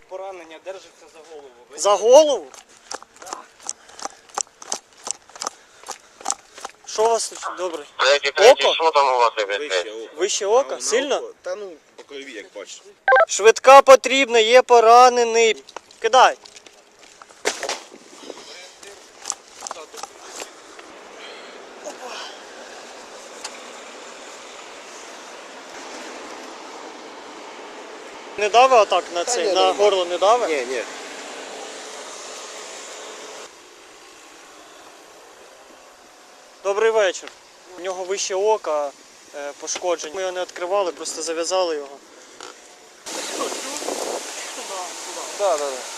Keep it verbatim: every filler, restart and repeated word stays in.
поранення, держиться за голову. Ви... За голову? Да. Що у вас тут добре? Третій, третій, Око? що там у вас, ребят? Вище око. Вище ока? На- на Сильно? око? Та ну, по крові, як бачиш. Швидка потрібна, є поранений. Кидай. Не дави отак на Та цей, ні, на нормально. горло не дави? Ні, ні. Добрий вечір. У нього вище ока е, пошкоджень. Ми його не відкривали, просто зав'язали його. Да, да, да.